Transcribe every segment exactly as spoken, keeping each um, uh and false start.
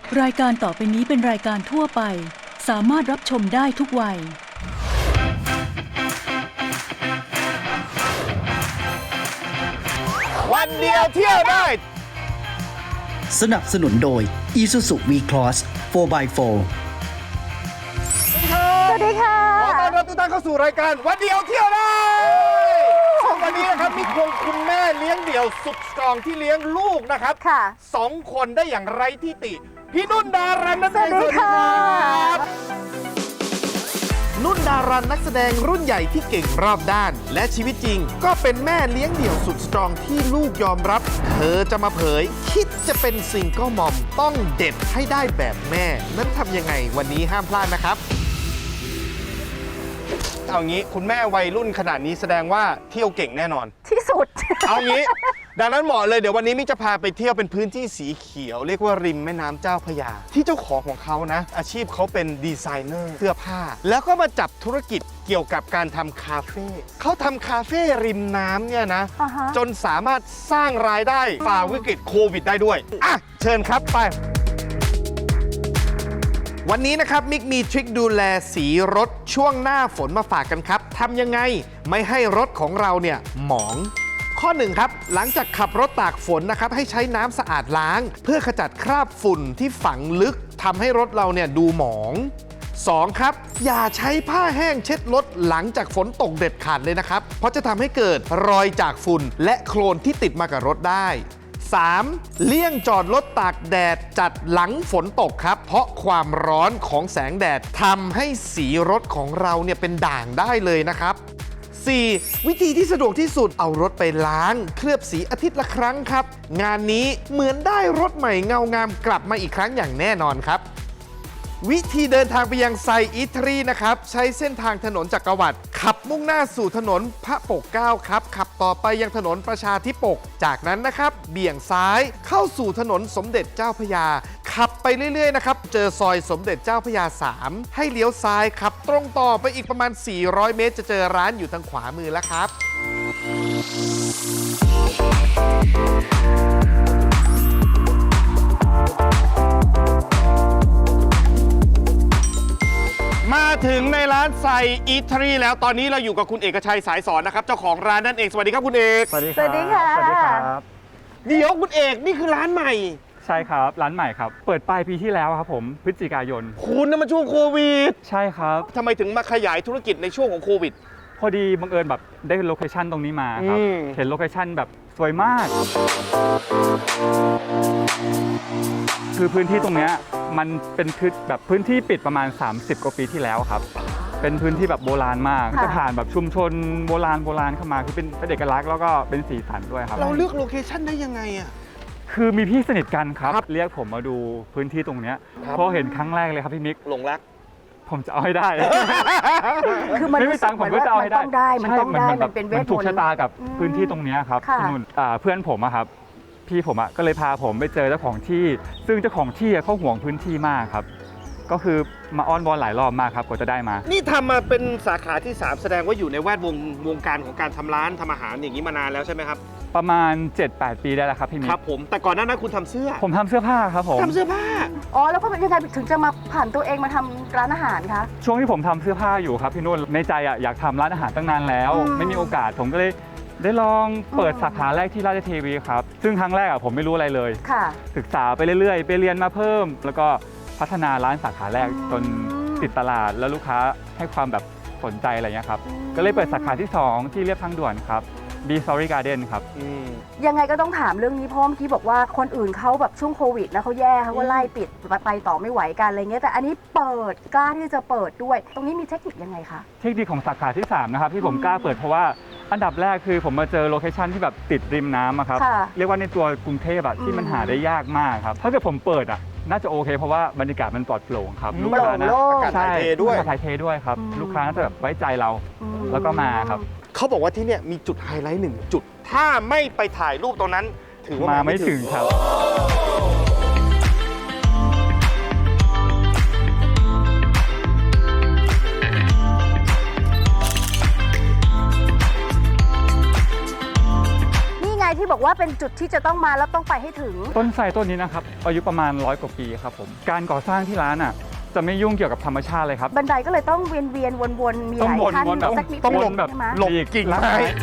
รายการต่อไปนี้เป็นรายการทั่วไปสามารถรับชมได้ทุกวัยวันเดียวเที่ยวได้สนับสนุนโดย Isuzu V-Cross โฟร์ by โฟร์สวัสดีค่ะขอต้อนรับทุกท่านเข้าสู่รายการวันเดียวเที่ยวได้วันนี้นะครับมีควงคุณแม่เลี้ยงเดี่ยวสุดสตรองที่เลี้ยงลูกนะครับค่ะสองคนได้อย่างไร้ที่ติ พี่นุ่นดารันนั่นเองสวัสดีค่ะนุ่นดารันนักแสดงรุ่นใหญ่ที่เก่งรอบด้าน และชีวิตจริงก็เป็นแม่เลี้ยงเดี่ยวสุดสตรองที่ลูกยอมรับ เธอจะมาเผย คิดจะเป็นซิงเกิลมอมต้องเด็ดให้ได้แบบแม่ นั้นทำยังไงวันนี้ห้ามพลาดนะครับเอางี้คุณแม่วัยรุ่นขนาดนี้แสดงว่าเที่ยวเก่งแน่นอนที่สุดเอางี้ ดังนั้นเหมาะเลยเดี๋ยววันนี้มิกจะพาไปเที่ยวเป็นพื้นที่สีเขียว เรียกว่าริมแม่น้ำเจ้าพระยา ที่เจ้าของของเขานะ อาชีพเขาเป็นดีไซเนอร์เสื้อผ้า แล้วก็มาจับธุรกิจเกี่ยวกับการทำคาเฟ่เขาทำคาเฟ่ริมน้ำเนี่ยนะอ่าฮะจนสามารถสร้างรายได้ฝ่าวิกฤตโควิดได้ด้วยอ่ะเชิญครับไป วันนี้นะครับมิกมีทริคดูแลสีรถช่วงหน้าฝนมาฝากกันครับทำยังไงไม่ให้รถของเราเนี่ยหมอง ข้อหนึ่งครับหลังจากขับรถตากฝนนะครับให้ใช้น้ำสะอาดล้าง เพื่อขจัดคราบฝุ่นที่ฝังลึกทำให้รถเราเนี่ยดูหมอง สอง ครับอย่าใช้ผ้าแห้งเช็ดรถหลังจากฝนตกเด็ดขาดเลยนะครับเพราะจะทำให้เกิดรอยจากฝุ่นและโคลนที่ติดมากับรถได้ สาม เลี่ยงจอดรถตากแดดจัดหลังฝนตกครับ เพราะความร้อนของแสงแดดทำให้สีรถของเราเนี่ยเป็นด่างได้เลยนะครับ สี่ วิธีที่สะดวกที่สุดเอารถไปล้างเคลือบสีอาทิตย์ละครั้งครับ งานนี้เหมือนได้รถใหม่เงางามกลับมาอีกครั้งอย่างแน่นอนครับ วิธีเดินทางไปยังไซอิตรีนะครับใช้เส้นทางถนนจักรวรรดิขับมุ่งหน้าสู่ถนนพระปกเกล้าครับขับต่อไปยังถนนประชาธิปกจากนั้นนะครับเบี่ยงซ้ายเข้าสู่ถนนสมเด็จเจ้าพระยาขับไปเรื่อยๆนะครับเจอซอยสมเด็จเจ้าพระยาสามให้เลี้ยวซ้ายขับตรงต่อไปอีกประมาณสี่ร้อยเมตรจะเจอร้านอยู่ทางขวามือแล้วครับ มาถึงในร้านไซอิตรีแล้วตอนนี้เราอยู่กับคุณเอกชัยสายสอนนะครับเจ้าของร้านนั่นเองสวัสดีครับคุณเอกสวัสดีสวัสดีค่ะสวัสดีครับเดี๋ยวคุณเอกนี่คือร้านใหม่ใช่ครับร้านใหม่ครับเปิดปลายปีที่แล้วครับผมพฤศจิกายนคุณนั่นมันช่วงโควิดใช่ครับทำไมถึงมาขยายธุรกิจในช่วงของโควิดพอดีบังเอิญแบบได้โลเคชั่นตรงนี้มาครับอืมเห็นโลเคชั่นแบบสวยมาก คือพื้นที่ตรงเนี้ยมันเป็นพื้นแบบพื้นที่ปิดประมาณ สามสิบ กว่าปีที่แล้วครับเป็นพื้นที่แบบโบราณมากค่ะจะผ่านแบบชุมชนโบราณโบราณเข้ามาคือเป็นเป็นเอกลักษณ์แล้วก็เป็นสีสันด้วยครับเราเลือกโลเคชั่นได้ยังไงอ่ะคือมีพี่สนิทกันครับครับเรียกผมมาดูพื้นที่ตรงเนี้ยครับพอเห็นครั้งแรกเลยครับพี่มิกหลงรักผมจะเอาให้ได้คือมันไม่มีตังค์ผมก็จะเอาให้ได้มันต้องได้มันต้องได้ใช่มันเป็นเวทมนต์มันถูกชะตากับอืมพื้นที่ตรงเนี้ยครับค่ะพี่นุ่นอ่าเพื่อนผมอะครับพี่ผมอะก็เลยพาผมไปเจอเจ้าของที่ ซึ่งเจ้าของที่อะเขาห่วงพื้นที่มากครับ ก็คือมาอ้อนวอนหลายรอบมากครับกว่าจะได้มานี่ทำมาเป็นสาขาที่สามแสดงว่าอยู่ในแวดวงวงการของการทำร้านทำอาหารอย่างนี้มานานแล้วใช่ไหมครับประมาณ เจ็ดแปด ปีได้แล้วครับพี่มิกครับผมแต่ก่อนหน้านั้นคุณทำเสื้อผมทำเสื้อผ้าครับผมทำเสื้อผ้าอ๋อแล้วก็ยังไงถึงจะมาผ่านตัวเองมาทำร้านอาหารคะช่วงที่ผมทำเสื้อผ้าอยู่ครับพี่นุ่นในใจอะอยากทำร้านอาหารตั้งนานแล้วอืมไม่มีโอกาสผมก็เลยได้ลองเปิดอืมสาขาแรกที่ราชเทวีครับซึ่งครั้งแรกอะผมไม่รู้อะไรเลยค่ะศึกษาไปเรื่อยๆ ไปเรียนมาเพิ่ม แล้วก็พัฒนาร้านสาขาแรกอืมจนติดตลาดแล้วลูกค้าให้ความแบบสนใจอะไรเงี้ยครับอืมก็เลยเปิดสาขาที่ สอง ที่เรียบทางด่วนครับ B Story Garden ครับยังไงก็ต้องถามเรื่องนี้เพราะเมื่อกี้บอกว่าคนอื่นเขาแบบช่วงโควิดนะเขาแย่เขาก็ไล่ปิดไปต่อไม่ไหวกันอะไรเงี้ยแต่อันนี้เปิดกล้าที่จะเปิดด้วย ตรงนี้มีเทคนิคยังไงคะเทคนิคของสาขาที่ สาม นะครับที่ผมอืมกล้าเปิดเพราะว่าอันดับแรกคือผมมาเจอโลเคชันที่แบบติดริมน้ำอะครับค่ะเรียกว่าในตัวกรุงเทพอะที่มันอืมหาได้ยากมากครับ ถ้าเกิดผมเปิดอะน่าจะโอเค เพราะว่าบรรยากาศมันปลอดโปร่งครับอืมลูกค้านะโปร่งโล่งอากาศถ่ายเทด้วยใช่ถ่ายเทด้วยครับอืมลูกค้าน่าจะแบบไว้ใจเราอืมแล้วก็มาครับเขาบอกว่าที่เนี่ยมีจุดไฮไลท์หนึ่งจุด ถ้าไม่ไปถ่ายรูปตรงนั้น ถือว่ามามาไม่ถึงครับนี่ไงที่บอกว่าเป็นจุดที่จะต้องมาแล้วต้องไปให้ถึงต้นไทรต้นนี้นะครับอายุประมาณร้อยกว่าปีครับผมการก่อสร้างที่ร้านอ่ะจะไม่ยุ่งเกี่ยวกับธรรมชาติเลยครับบันไดก็เลยต้องเวียนเวียนวนวนๆมีหต้องลายวนขั้นวนแบบสักนิดต้องนึหลบงแบบใช่ไหมหลบกิ่งไม้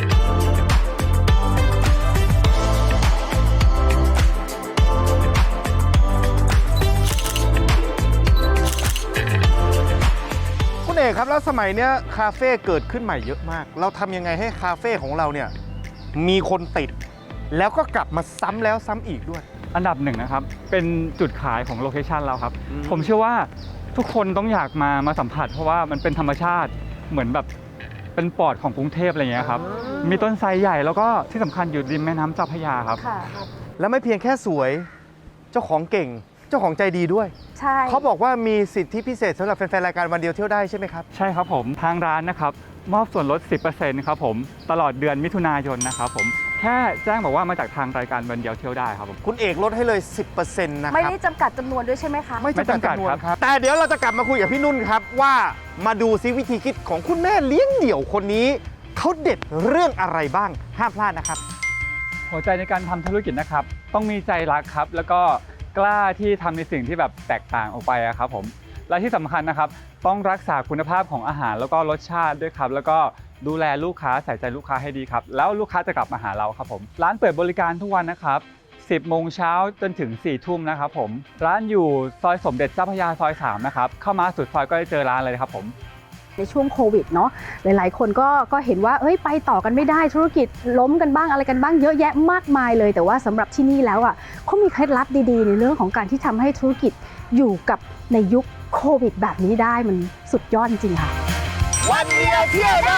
คุณเอกครับแล้วสมัยเนี้ยคาเฟ่เกิดขึ้นใหม่เยอะมาก เราทำยังไงให้คาเฟ่ของเราเนี่ยมีคนติด แล้วก็กลับมาซ้ำแล้วซ้ำอีกด้วยอันดับหนึ่งนะครับเป็นจุดขายของโลเคชันเราครับอืมผมเชื่อว่าทุกคนต้องอยากมามาสัมผัส เพราะว่ามันเป็นธรรมชาติเหมือนแบบเป็นปอดของกรุงเทพอะไรอย่างเงี้ยครับมีต้นไทรใหญ่แล้วก็ที่สำคัญอยู่ริมแม่น้ำเจ้าพระยาครับค่ะแล้วไม่เพียงแค่สวยเจ้าของเก่ง เจ้าของใจดีด้วยใช่เขาบอกว่ามีสิทธิพิเศษสำหรับแฟนๆรายการวันเดียวเที่ยวได้ใช่ไหมครับใช่ครับผมทางร้านนะครับมอบส่วนลด สิบเปอร์เซ็นต์ ครับผมตลอดเดือนมิถุนายนนะครับผมแค่แจ้งบอกว่ามาจากทางรายการวันเดียวเที่ยวได้ครับผมคุณเอกลดให้เลย สิบเปอร์เซ็นต์ นะคไม่รับได้จำกัดจำนวนด้วยใช่ไหมคะไม่จำกัดไม่จำกัดจำนวนครับครับ แต่เดี๋ยวเราจะกลับมาคุยกับพี่นุ่นครับว่ามาดูซิวิธีคิดของคุณแม่เลี้ยงเดี่ยวคนนี้เขาเด็ดเรื่องอะไรบ้างห้ามพลาดนะครับหัวใจในการทำธุรกิจนะครับต้องมีใจรักครับแล้วก็กล้าที่ทำในสิ่งที่แบบแตกต่างออกไปอะครับผมและที่สำคัญนะครับต้องรักษาคุณภาพของอาหารแล้วก็รสชาติด้วยครับแล้วก็ดูแลลูกค้าใส่ใจลูกค้าให้ดีครับแล้วลูกค้าจะกลับมาหาเราครับผมร้านเปิดบริการทุกวันนะครับสิบโมงเช้าจนถึงสี่ทุ่มนะครับผมร้านอยู่ซอยสมเด็จเจ้าพระยาซอยสามนะครับเข้ามาสุดซอยก็จะเจอร้านเลยครับผมในช่วงโควิดเนาะหลายๆ คนก็ก็เห็นว่าเอ้ยไปต่อกันไม่ได้ธุรกิจล้มกันบ้างอะไรกันบ้างเยอะแยะมากมายเลย แต่ว่าสำหรับที่นี่แล้วอ่ะเขามีเคล็ดลับดีๆ ในเรื่องของการที่ทำให้ธุรกิจอยู่กับในยุคโควิดแบบนี้ได้มันสุดยอดจริงๆค่ะวันเดียวเที่ยวได้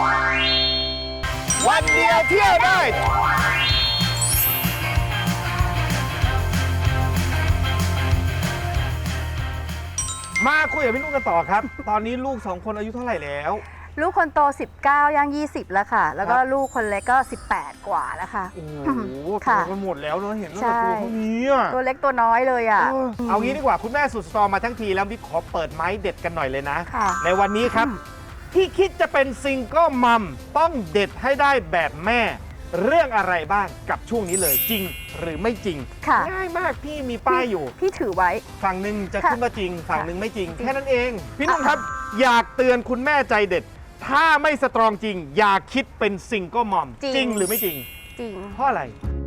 วันเดียวเที่ยวได้ มาคุยกับพี่นุ่นกันต่อครับ ตอนนี้ลูกสองคนอายุเท่าไหร่แล้วลูกคนโตสิบเก้าย่างยี่สิบแล้วค่ะ แล้วก็ครับลูกคนเล็กก็สิบแปดกว่าแล้วค่ะโอ้โหโตค่ะกันหมดแล้วเนอะเห็นตั้งใช่แต่ตัวเท่านี้อะตัวเล็กตัวน้อยเลยอ่ะเออเอางี้ดีกว่าคุณแม่สุดสตรองมาทั้งทีแล้วบิ๊กขอเปิดไม้เด็ดกันหน่อยเลยนะค่ะในวันนี้ครับ ที่คิดจะเป็นซิงเกิลมัมต้องเด็ดให้ได้แบบแม่ เรื่องอะไรบ้างกับช่วงนี้เลยจริงหรือไม่จริงค่ะง่ายมากพี่มีป้ายอยู่พี่ถือไว้ฝั่งหนึ่งจะค่ะขึ้นมาจริง ฝั่งหนึ่งไม่จริงจริงแค่นั้นเอง พี่นุ่นครับ อยากเตือนคุณแม่ใจเด็ด ถ้าไม่สตรองจริง อย่าคิดเป็นซิงเกิลมัมจริงหรือไม่จริงจริงเพราะอะไร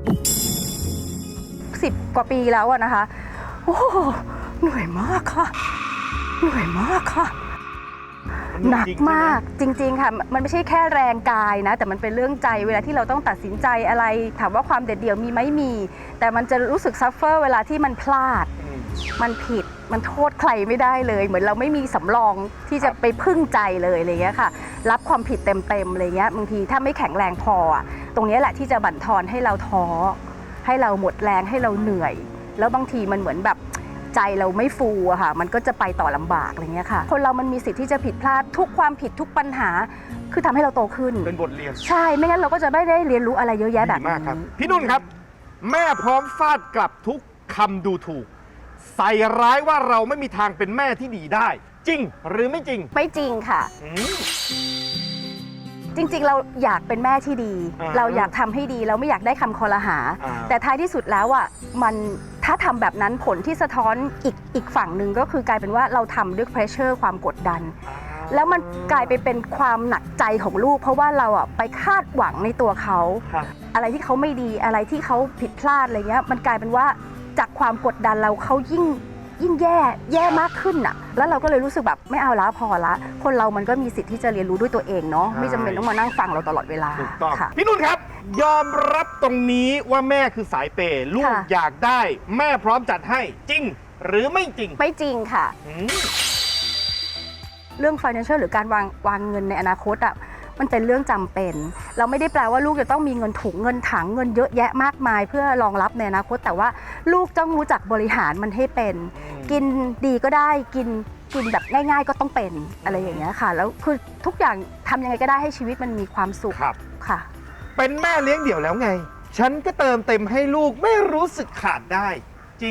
สิบกว่าปีแล้วอะนะคะ โอ้โหเหนื่อยมากค่ะ เหนื่อยมากค่ะ หนักมากจริง ๆ ค่ะ มันไม่ใช่แค่แรงกายนะ แต่มันเป็นเรื่องใจเวลาที่เราต้องตัดสินใจอะไร ถามว่าความเด็ดเดี่ยวมีไหมมี แต่มันจะรู้สึกซัฟเฟอร์เวลาที่มันพลาด มันผิดมันโทษใครไม่ได้เลย เหมือนเราไม่มีสำรองที่จะไปพึ่งใจเลยอะไรเงี้ยค่ะ รับความผิดเต็มๆอะไรเงี้ยบางทีถ้าไม่แข็งแรงพออะตรงนี้แหละที่จะบั่นทอนให้เราท้อให้เราหมดแรงให้เราเหนื่อย แล้วบางทีมันเหมือนแบบใจเราไม่ฟูอะค่ะ มันก็จะไปต่อลำบากอะไรเงี้ยค่ะ คนเรามันมีสิทธิ์ที่จะผิดพลาดทุกความผิดทุกปัญหา คือทำให้เราโตขึ้นเป็นบทเรียนใช่ไม่งั้นเราก็จะไม่ได้เรียนรู้อะไรเยอะแยะแบบดีนี้มากครับ พี่นุ่นครับ แม่พร้อมฟาดกลับทุกคำดูถูก ใส่ร้ายว่าเราไม่มีทางเป็นแม่ที่ดีได้ จริงหรือไม่จริงไม่จริงค่ะอืมจริงๆ เราอยากเป็นแม่ที่ดีอ่าเราอยากทำให้ดีเราไม่อยากได้คำคอรหาอ่าแต่ท้ายที่สุดแล้วอ่ะมันถ้าทำแบบนั้นผลที่สะท้อนอีกอีกฝั่งหนึ่งก็คือกลายเป็นว่าเราทำด้วยเพรสเชอร์ความกดดัน แล้วมันกลายไปเป็นความหนักใจของลูก เพราะว่าเราอ่ะไปคาดหวังในตัวเขาครับอะไรที่เขาไม่ดีอะไรที่เขาผิดพลาดอะไรเงี้ยมันกลายเป็นว่าจากความกดดันเราเขายิ่งยิ่งแย่แย่มากขึ้นน่ะแล้วเราก็เลยรู้สึกแบบไม่เอาละพอละ คนเรามันก็มีสิทธิ์ที่จะเรียนรู้ด้วยตัวเองเนาะใช่ไม่จำเป็นต้องมานั่งฟังเราตลอดเวลาถูกต้องค่ะพี่นุ่นครับ ยอมรับตรงนี้ว่าแม่คือสายเปย์ลูกค่ะอยากได้ แม่พร้อมจัดให้จริง หรือไม่จริงไม่จริงค่ะอืมเรื่อง financial หรือการวางวางเงินในอนาคตอ่ะมันเป็นเรื่องจำเป็น เราไม่ได้แปลว่าลูกจะต้องมีเงินถุงเงินถังเงินเยอะแยะมากมาย เพื่อรองรับในอนาคต แต่ว่าลูกต้องรู้จักบริหารมันให้เป็น กินดีก็ได้กินกินแบบง่าย ๆ ก็ต้องเป็นอะไรอย่างเงี้ยค่ะ แล้วคือทุกอย่างทำยังไงก็ได้ให้ชีวิตมันมีความสุขครับค่ะเป็นแม่เลี้ยงเดี่ยวแล้วไง ฉันก็เติมเต็มให้ลูกไม่รู้สึกขาดได้ จริง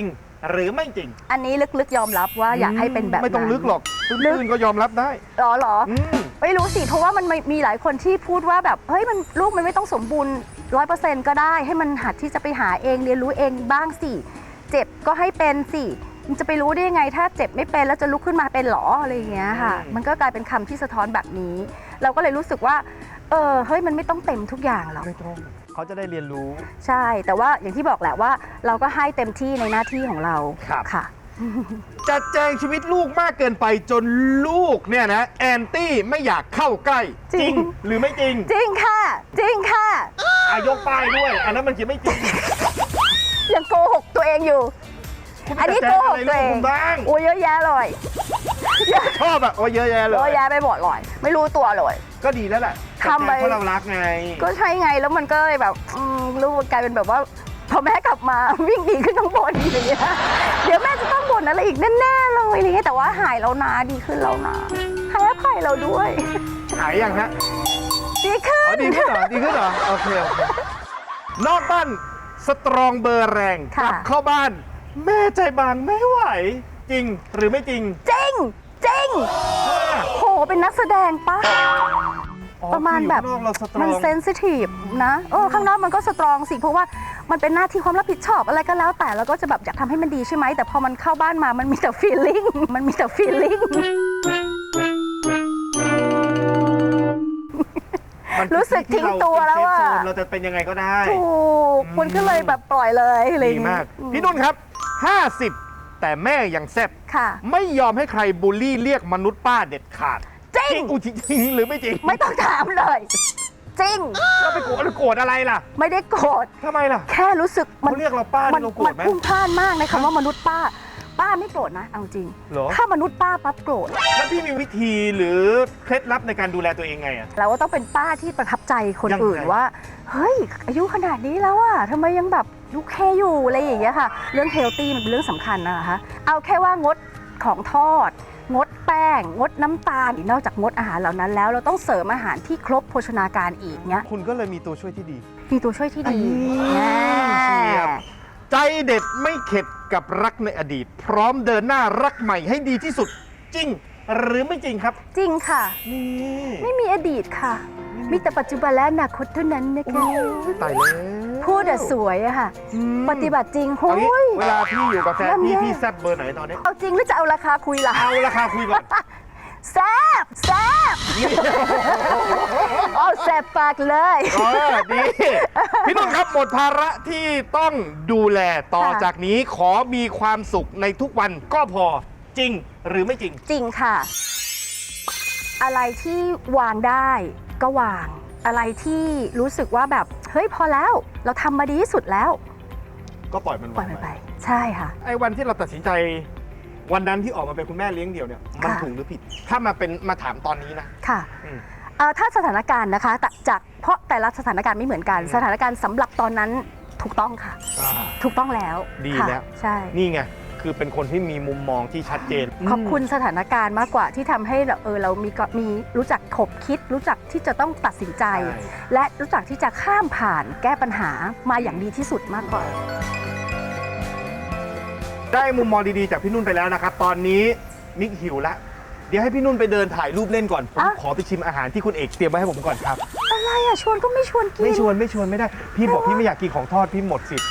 หรือไม่จริงอันนี้ลึกๆยอมรับว่าอยากให้เป็นแบบนั้นไม่ต้องลึกหรอกตื้นๆก็ยอมรับได้หรอหรออืมไม่รู้สิ เพราะว่ามันมีมีหลายคนที่พูดว่าแบบเฮ้ยมันลูกมันไม่ต้องสมบูรณ์ร้อยเปอร์เซ็นต์ก็ได้ ให้มันหัดที่จะไปหาเองเรียนรู้เองบ้างสิเจ็บก็ให้เป็นสิมันจะไปรู้ได้ยังไง ถ้าเจ็บไม่เป็นแล้วจะลุกขึ้นมาเป็นหรออะไรอย่างเงี้ยค่ะอืมมันก็กลายเป็นคำที่สะท้อนแบบนี้ เราก็เลยรู้สึกว่าเออเฮ้ยมันไม่ต้องเต็มทุกอย่างหรอกไม่ต้องเขาจะได้เรียนรู้ใช่ แต่ว่าอย่างที่บอกแหละว่า เราก็ให้เต็มที่ในหน้าที่ของเราครับค่ะจัดแจงชีวิตลูกมากเกินไปจนลูกเนี่ยนะแอนตี้ไม่อยากเข้าใกล้จริงหรือไม่จริงจริงค่ะ จริงค่ะอายกป้ายด้วย อันนั้นมันจะไม่จริงยังโกหกตัวเองอยู่คุณอันนี้จัดโกแจงหอะกไรตัวลูกเองคุณบ้างโอ้ยเยอะแยะเลยชอบอะโอ้ยเยอะแยะเลเยอะยแยะไปหมดเลยไม่รู้ตัวเลยก็ดีแล้วแหละทำไปจัดแจงเพราะเรารักไงก็ใช่ไงแล้วมันก็เลยแบบอืมลูกกลายเป็นแบบว่าพอแม่กลับมา วิ่งหนีขึ้นข้างบนอย่างเงี้ยเดี๋ยวแม่จะต้องบ่นอะไรอีกแน่ๆเลยอะไรเงี้ยแต่ว่าหายแล้วนะดีขึ้นแล้วนะให้อภัยเราด้วยหายยังฮะดีขึ้อ๋อน ดีขึ้นเหรอ ดีขึ้นเหรอ โอเคโอเคนอกบ้านสตรองเบอร์แรงกค่ะลับเข้าบ้าน แม่ใจบางไม่ไหว จริงหรือไม่จริงจริงจริงโหเป็นนักแสดงปะอ๋อประมาณแบบคืออยู่ข้างนอกเราสตรองมันเซนซิทีฟนะเออข้างนอกมันก็สตรองสิเพราะว่ามันเป็นหน้าที่ความรับผิดชอบอะไรก็แล้วแต่เราก็จะแบบอยากทำให้มันดีใช่ไหมแต่พอมันเข้าบ้านมามันมีแต่ฟีลลิ่งมันมีแต่ฟีลลิ่งมันรู้สึกทิ้งตัวแล้วอะเป็นเซฟโซนเราจะเป็นยังไงก็ได้ถูกมันก็เลยแบบปล่อยเลยอะไรอดีย่างงี้มาก พี่นุ่นครับ ห้าสิบ แต่แม่ยังแซ่บค่ะไม่ยอมให้ใครบูลลี่เรียกมนุษย์ป้าเด็ดขาดจริงอุยจริงหรือไม่จริงไม่ต้องถามเลย จริงเราไปโกรธโกรธอะไรล่ะไม่ได้โกรธทำไมล่ะแค่รู้สึกมัเขาเรียกเราป้านี่เราโกรธไหมมันพุ่งพล่านมากในคำว่ามนุษย์ป้า ป้าไม่โกรธนะเอาจริงเหรอถ้ามนุษย์ป้าปั๊บโกรธแล้วพี่มีวิธีหรือเคล็ดลับในการดูแลตัวเองไงอะเราก็ต้องเป็นป้าที่ประทับใจคนยังไงอื่นว่า เฮ้ย อายุขนาดนี้แล้วอะทำไมยังแบบยุคแค่อยู่อะไรอย่างเงี้ยค่ะ เรื่องเฮลตี้มันเป็นเรื่องสำคัญนะคะเอาแค่ว่างดของทอด งดแป้ง งดน้ำตาลนอกจากงดอาหารเหล่านั้นแล้วเราต้องเสริมอาหารที่ครบโภชนาการอีกเนี้ยคุณก็เลยมีตัวช่วยที่ดีมีตัวช่วยที่ดีเฉียบแน่ใจเด็ดไม่เข็ดกับรักในอดีต พร้อมเดินหน้ารักใหม่ให้ดีที่สุด จริง หรือไม่จริงครับจริงค่ะนี่ไม่มีอดีตค่ะ มีแต่ปัจจุบันและอนาคตเท่านั้นนะคะตายแล้วพูดอะสวยอะค่ะอืมปฏิบัติจริงโหเอางี้ยเวลาพี่อยู่กับแฟนเริ่มพี่แย่พี่แซบเบอร์ไหนตอนนี้เอาจริงหรือจะเอาราคาคุยล่ะเอาราคาคุยก่อนแซบแซบเอาแซบปากเลยเออดี พี่นุ่นครับหมดภาระที่ต้องดูแลต่อค่ะจากนี้ขอมีความสุขในทุกวันก็พอจริงหรือไม่จริงจริงค่ะ อะไรที่วางได้ก็วาง อะไรที่รู้สึกว่าแบบ เฮ้ยพอแล้ว เราทำมาดีที่สุดแล้วก็ปล่อยมันปล่อยวางมันไปไป ใช่ค่ะไอ้วันที่เราตัดสินใจ วันนั้นที่ออกมาเป็นคุณแม่เลี้ยงเดี่ยวเนี่ยมันค่ะถูกหรือผิด ถ้ามาเป็นมาถามตอนนี้นะค่ะอืมเอ่อถ้าสถานการณ์นะคะแต่จากเพราะแต่ละสถานการณ์ไม่เหมือนกันอืมสถานการณ์สำหรับตอนนั้นถูกต้องค่ะอ่าถูกต้องแล้วดีค่ะแล้วใช่นี่ไงคือเป็นคนที่มีมุมมองที่ชัดเจนขอบคุณสถานการณ์มากกว่าที่ทำให้เราเออเรามีก็มีรู้จักขบคิด รู้จักที่จะต้องตัดสินใจใช่และรู้จักที่จะข้ามผ่านแก้ปัญหามาอย่างดีที่สุดมากกว่าได้มุมมองดีๆจากพี่นุ่นไปแล้วนะครับ ตอนนี้มิกหิวละเดี๋ยวให้พี่นุ่นไปเดินถ่ายรูปเล่นก่อน ผมอ่ะขอไปชิมอาหารที่คุณเอกเตรียมไว้ให้ผมก่อนครับอะไรอ่ะชวนก็ไม่ชวนกินไม่ชวนไม่ชวนไม่ได้ พี่บอกพี่ไม่อยากกินของทอดพี่หมดสิทธิ์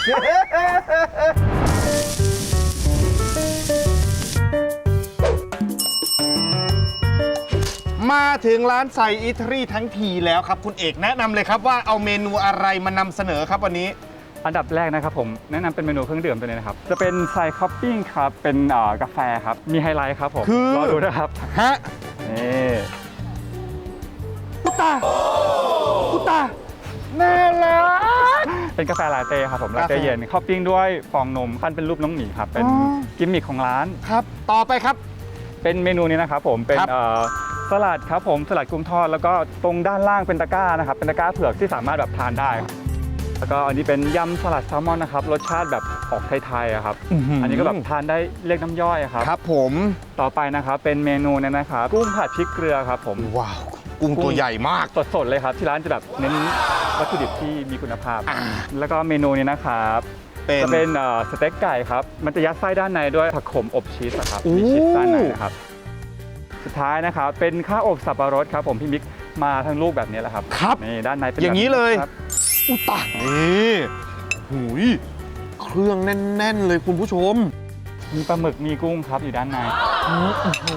มาถึงร้านไซอิตาลีทั้งทีแล้วครับ คุณเอกแนะนำเลยครับว่าเอาเมนูอะไรมานำเสนอครับวันนี้อันดับแรกนะครับผมแนะนำเป็นเมนูเครื่องดื่มตัวนี้นะครับ จะเป็นไซคอปปิ้งครับ เป็นเอ่อกาแฟครับ มีไฮไลท์ครับผมคือรอดูนะครับฮะนี่อุตตาอุตตาน่ารักเป็นกาแฟลาเต้ครับผมกาลาแฟเต้เย็นคอปปิ้งด้วยฟองนมขั้นเป็นรูปน้องหมีครับ เป็นอ๋อกิมมิคของร้านครับ ต่อไปครับเป็นเมนูนี้นะครับผมเป็นครับเอ่อสลัดครับผมสลัดกุ้งทอดแล้วก็ตรงด้านล่างเป็นตะกร้านะครับเป็นตะกร้าเผือกที่สามารถแบบทานได้ครับแล้วก็อันนี้เป็นยำสลัดแซลมอนนะครับรสชาติแบบออกไทยๆอะครับ อันนี้ก็แบบทานได้เรียกน้ำย่อยอะครับครับผมต่อไปนะครับเป็นเมนูเนี้นะครับกุ้งผัดพริกเกลือครับผมว้าวกุ้งตัวใหญ่มากสดๆเลยครับที่ร้านจะแบบเน้นวัตถุดิบที่มีคุณภาพอ่าแล้วก็เมนูนี้นะครับเป็นจะเป็นเอ่อสเต็กไก่ครับมันจะยัดไส้ด้านในด้วยผักขมอบชีสอะครับโอ้มีชีสด้านในนะครับสุดท้ายนะครับเป็นข้าวอบสับปะรดครับผมพี่มิกมาทั้งลูกแบบนี้แหละครับครับนี่ด้านในเป็นอย่างนี้เลยครับอุยตายนี่หูยเครื่องแน่น ๆ เลยคุณผู้ชมมีปลาหมึกมีกุ้งครับอยู่ด้านในอืม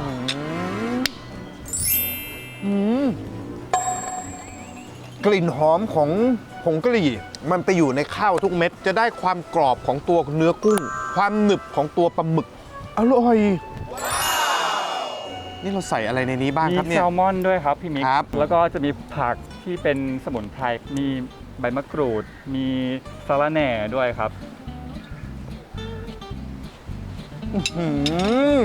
อืมกลิ่นหอมของผงกะหรี่มันไปอยู่ในข้าวทุกเม็ด จะได้ความกรอบของตัวเนื้อกุ้ง ความหนึบของตัวปลาหมึก อร่อย นี่เราใส่อะไรในนี้บ้างมีครับแซเนี่ยลมอนด้วยครับพี่มิกครับแล้วก็จะมีผักที่เป็นสมุนไพรมีใบมะกรูด มีสะระแหน่ด้วยครับอืม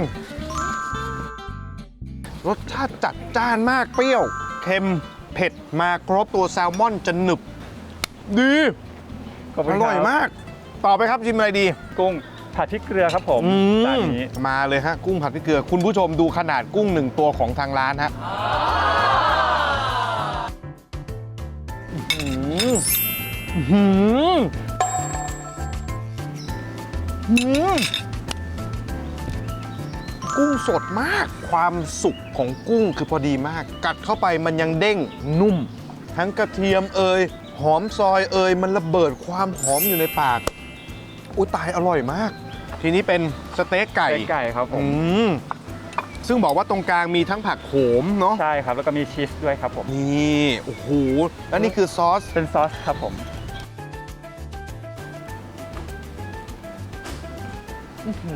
รสชาติจัดจ้านมากเปรี้ยว เค็ม เผ็ดมาครบตัวแซลมอนจะหนึบ ดีขอบคุอณคบร่อยมาก ต่อไปครับชิมอะไรดีกุ้งผัดพริกเกลือครับผมอืมจานนี้มาเลยฮะ กุ้งผัดพริกเกลือ คุณผู้ชมดูขนาดกุ้งหนึ่งตัวของทางร้านฮะอื้อหืออื้อหืออื้อหือกุ้งสดมาก ความสุกของกุ้งคือพอดีมาก กัดเข้าไปมันยังเด้งนุ่ม ทั้งกระเทียมเอยหอมซอยเอยมันระเบิดความหอมอยู่ในปาก อุ้ยตายอร่อยมาก ทีนี้เป็นสเต็กไก่สเต็กไก่ครับผอืมมซึ่งบอกว่าตรงกลางมีทั้งผักโขมเนาะใช่ครับแล้วก็มีชีสด้วยครับผมนี่โอ้โหแล้วนี่คือซอสเป็นซอสครับผมอื้อหื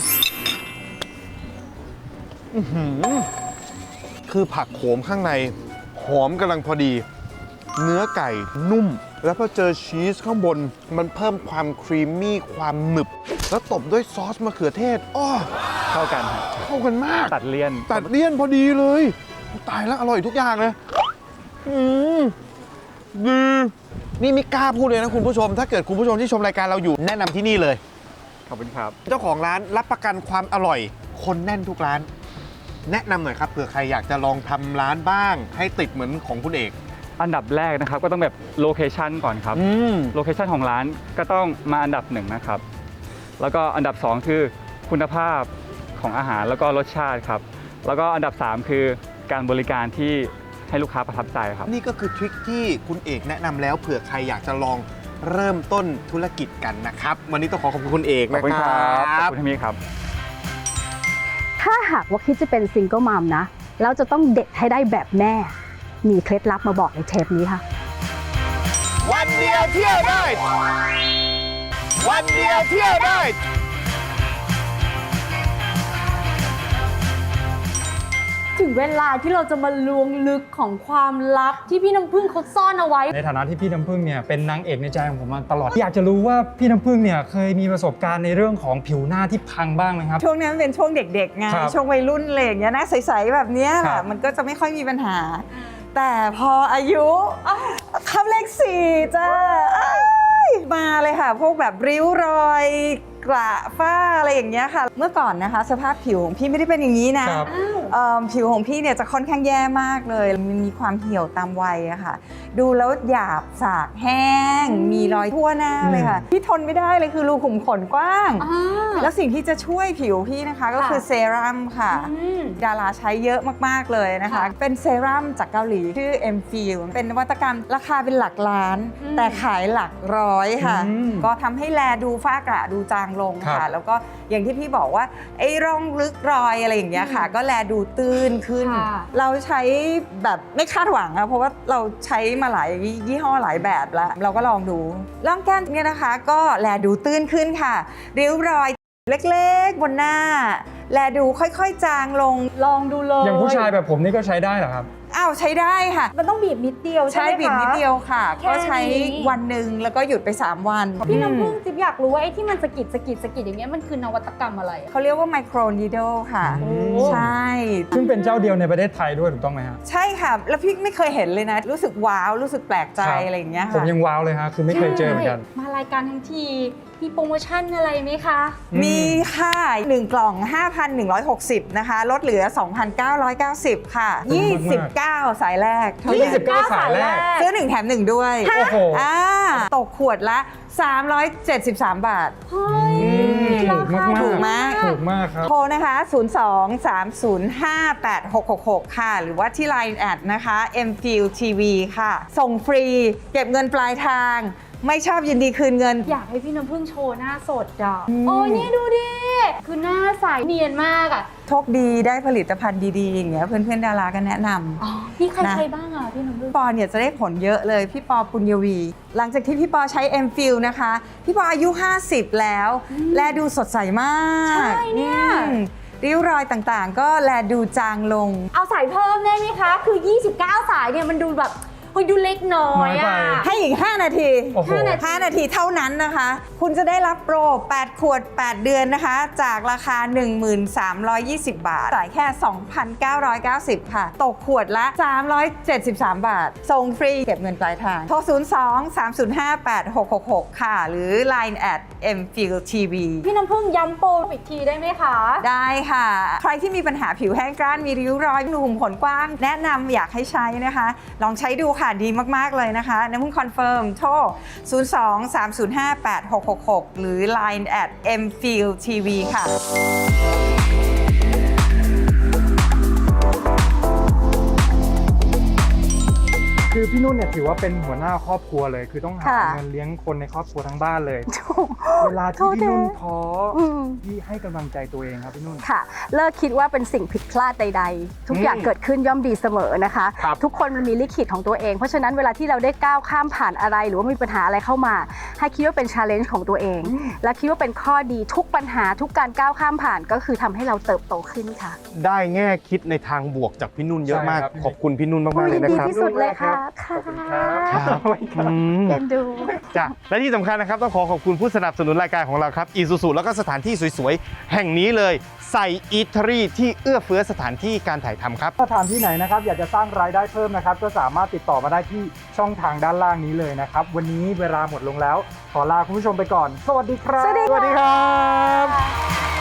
อคือผักโขมข้างในหอมกำลังพอดี เนื้อไก่นุ่ม แล้วพอเจอชีสข้างบน มันเพิ่มความครีมมี่ความหนึบ แล้วตบด้วยซอสมะเขือเทศอ้อเข้ากันครับเข้ากันมากตัดเลี่ยนตัดเลี่ยนพอดีเลย ตายแล้วอร่อยทุกอย่างเลย อืมดีนี่ไม่กล้าพูดเลยนะคุณผู้ชม ถ้าเกิดคุณผู้ชมที่ชมรายการเราอยู่แนะนำที่นี่เลยขอบคุณครับเจ้าของร้านรับประกันความอร่อย คนแน่นทุกร้าน แนะนำหน่อยครับเผื่อใครอยากจะลองทำร้านบ้าง ให้ติดเหมือนของคุณเอกอันดับแรกนะครับก็ต้องแบบโลเคชันก่อนครับอืมโลเคชันของร้านก็ต้องมาอันดับหนึ่งนะครับ แล้วก็อันดับสองคือคุณภาพของอาหารแล้วก็รสชาติครับ แล้วก็อันดับสามคือการบริการที่ให้ลูกค้าประทับใจครับนี่ก็คือทริคที่คุณเอกแนะนำแล้วเผื่อใครอยากจะลองเริ่มต้นธุรกิจกันนะครับ วันนี้ต้องขอขอบคุณคุณเอกขอบนะคุณคครัรับ ขอบบ คุณที่มีครับถ้าหากว่าคิดจะเป็นซิงเกิลมัมนะแล้วจะต้องเด็ดให้ได้แบบแม่ มีเคล็ดลับมาบอกในเทปนี้ค่ะวันเดียวเที่ยวได้ วันเดียวเที่ยวได้ถึงเวลาที่เราจะมาล้วงลึกของความลับที่พี่น้ำพึ่งเขาซ่อนเอาไว้ในฐานะที่พี่น้ำพึ่งเนี่ยเป็นนางเอกในใจของผมมาตลอด อยากจะรู้ว่าพี่น้ำพึ่งเนี่ยเคยมีประสบการณ์ในเรื่องของผิวหน้าที่พังบ้างไหมครับช่วงนั้นเป็นช่วงเด็กๆไงครับช่วงวัยรุ่นอะไรอย่างเงี้ยนะใสๆแบบเนี้ยคแหรัละบมันก็จะไม่ค่อยมีปัญหา แต่พออายุเข้าเลขสี่จ้าอ้ายมาเลยค่ะ พวกแบบริ้วรอยกระฝ้าอะไรอย่างเงี้ยค่ะ เมื่อก่อนนะคะ สภาพผิวของพี่ไม่ได้เป็นอย่างนี้นะครับ เอิ่มผิวของพี่เนี่ยจะค่อนข้างแย่มากเลยมันมีความเหี่ยวตามวัยอะค่ะ ดูแล้วหยาบสากแห้ง มีรอยทั่วหน้าเลยค่ะที่ทนไม่ได้เลยคือรูขุมขนกว้าง แล้วสิ่งที่จะช่วยผิวพี่นะคะก็คือเซรั่มค่ะ ดาราใช้เยอะมาก ๆ เลยนะคะ เป็นเซรั่มจากเกาหลีชื่อ เอ็ม ฟิล เป็นนวัตกรรมราคาเป็นหลักล้าน แต่ขายหลักร้อยค่ะอืมก็ทำให้แลดูฝ้ากระดูจางลงครัค่ะบแล้วก็อย่างที่พี่บอกว่าไอ้ร่องลึกรอยอะไรอย่างเงี้ยค่ะ ก็แลดูตื้นขึ้นค่ะเราใช้แบบไม่คาดหวังอะเพราะว่าเราใช้มาหลายยี่ห้อหลายแบบแล้ว เราก็ลองดูร่องแก้มเนี่ยนะคะ ก็แลดูตื้นขึ้นค่ะริ้วรอยเล็กๆบนหน้า แลดูค่อยๆจางลงลองดูเลยอย่างผู้ชายแบบผมนี่ก็ใช้ได้เหรอครับอ้าวใช้ได้ค่ะมันต้องบีบนิดเดียวใช่ใช้ไหมคะบีบนิดเดียวค่ะแค่ก็ใช้นี้วันหนึ่งแล้วก็หยุดไปสามวันพี่น้ำพึ่งอืมจิ๊บอยากรู้ว่าไอ้ที่มันสะกิดสะกิดสะกิดอย่างเงี้ยมันคือนวัตกรรมอะไรอะเขาเรียกว่าไมโครนีโดค่ะโอ้ใช่ซึ่งเป็นเจ้าเดียวในประเทศไทยด้วยถูกต้องไหมฮะใช่ค่ะ แล้วพี่ไม่เคยเห็นเลยนะ รู้สึกว้าวรู้สึกแปลกใจครับอะไรอย่างเงี้ยผมค่ะยังว้าวเลยฮะคือไม่เคยเจอเหมือนกันมารายการทั้งที พมีโปรโมชั่นอะไรไหมคะมีค่ะหนึ่งกล่อง ห้าพันหนึ่งร้อยหกสิบ นะคะลดเหลือ สองพันเก้าร้อยเก้าสิบ ค่ะ ยี่สิบเก้า สายแรกเท่านั้นยี่สิบเก้าสายแรกซื้อหนึ่งแถมหนึ่งด้วยโอ้โหอ่าตกขวดละ สามร้อยเจ็ดสิบสาม บาทเฮ้ยถูกมากๆถูกไหมถูกมากครับโทรนะคะ ศูนย์ สอง สาม ศูนย์ ห้า แปด หก หก หก ค่ะ หรือว่าที่ ไลน์ แอดนะคะ เอ็ม ฟิล ที วี ค่ะ ส่งฟรี เก็บเงินปลายทาง ไม่ชอบยินดีคืนเงินอยากให้พี่น้ำพึ่งโชว์หน้าสดอ่ะโอ้ยนี่ดูดิ คือหน้าใสเนียนมากอ่ะโชคดีได้ผลิตภัณฑ์ดีๆ อย่างเงี้ยเพื่อนๆ ดาราก็แนะนำอ๋อนี่ใครนะใช้บ้างอ่ะพี่น้ำพึ่งปอเนี่ยจะได้ผลเยอะเลย พี่ปอปุญญวี หลังจากที่พี่ปอใช้ เอ็ม ฟิล นะคะ พี่ปออายุ ห้าสิบ แล้ว และดูสดใสมากใช่เนี่ยอืมริ้วรอยต่างๆ ก็แลดูจางลงเอาสายเพิ่มได้ไหมคะ คือ ยี่สิบเก้า สายเนี่ยมันดูแบบเฮ้ยดูเล็กน้อยอ่ะน้อยไปให้อีก ห้า นาทีโอ้โหห้านาทีห้านาทีเท่านั้นนะคะ คุณจะได้รับโปร แปด ขวด แปด เดือนนะคะ จากราคา หนึ่งพันสามร้อยยี่สิบ บาท จ่ายแค่ สองพันเก้าร้อยเก้าสิบ ค่ะ ตกขวดละ สามร้อยเจ็ดสิบสาม บาท ส่งฟรีเก็บเงินปลายทาง โทร ศูนย์ สอง สาม ศูนย์ ห้า แปด หก หก หก ค่ะ หรือ ไลน์ แอด เอ็ม ฟิล ที วีพี่น้ำพึ่งย้ำโปรอีกทีได้ไหมคะได้ค่ะ ใครที่มีปัญหาผิวแห้งกร้านมีริ้วรอยหนุ่มขนกว้าง แนะนำอยากให้ใช้นะคะ ลองใช้ดูค่ะ ดีมาก ๆ เลยนะคะน้ำพึ่งคอนเฟิร์ม โทร ศูนย์ สอง สาม ศูนย์ ห้า แปด หก หก หก หรือ ไลน์ แอด เอ็ม ฟิล ที วี ค่ะคือพี่นุ่นเนี่ยถือว่าเป็นหัวหน้าครอบครัวเลย คือต้องหาค่ะเงินเลี้ยงคนในครอบครัวทั้งบ้านเลยถูกเวลาที่พี่นุ่นท้ออมพี่ให้กำลังใจตัวเองครับพี่นุ่นค่ะ เลิกคิดว่าเป็นสิ่งผิดพลาดใดๆ ทุกอย่างอืมเกิดขึ้นย่อมดีเสมอนะคะครับทุกคนมันมีลิขิตของตัวเอง เพราะฉะนั้นเวลาที่เราได้ก้าวข้ามผ่านอะไร หรือว่ามีปัญหาอะไรเข้ามา ให้คิดว่าเป็น challenge ของตัวเอง และคิดว่าเป็นข้อดีทุกปัญหาทุกการก้าวข้ามผ่านก็คือทำให้เราเติบโตขึ้นค่ะได้แง่คิดในทางบวกจากพี่นุ่นเยอะมากใช่ครับขอบคุณพี่นุ่นมากๆเลยยินนะดีครับที่สุดเลยค่ะค่ะครับอืมเอ็นดูจ้ะและที่สำคัญนะครับต้องขอขอบคุณผู้สนับสนุนรายการของเราครับ Isuzu แล้วก็สถานที่สวยๆ แห่งนี้เลยใส่อีทรีที่เอื้อเฟื้อสถานที่การถ่ายทำครับสถานที่ไหนนะครับอยากจะสร้างรายได้เพิ่มนะครับก็สามารถติดต่อมาได้ที่ช่องทางด้านล่างนี้เลยนะครับวันนี้เวลาหมดลงแล้ว ขอลาคุณผู้ชมไปก่อน สวัสดีครับสวัสดีค่ะสวัสดีครับ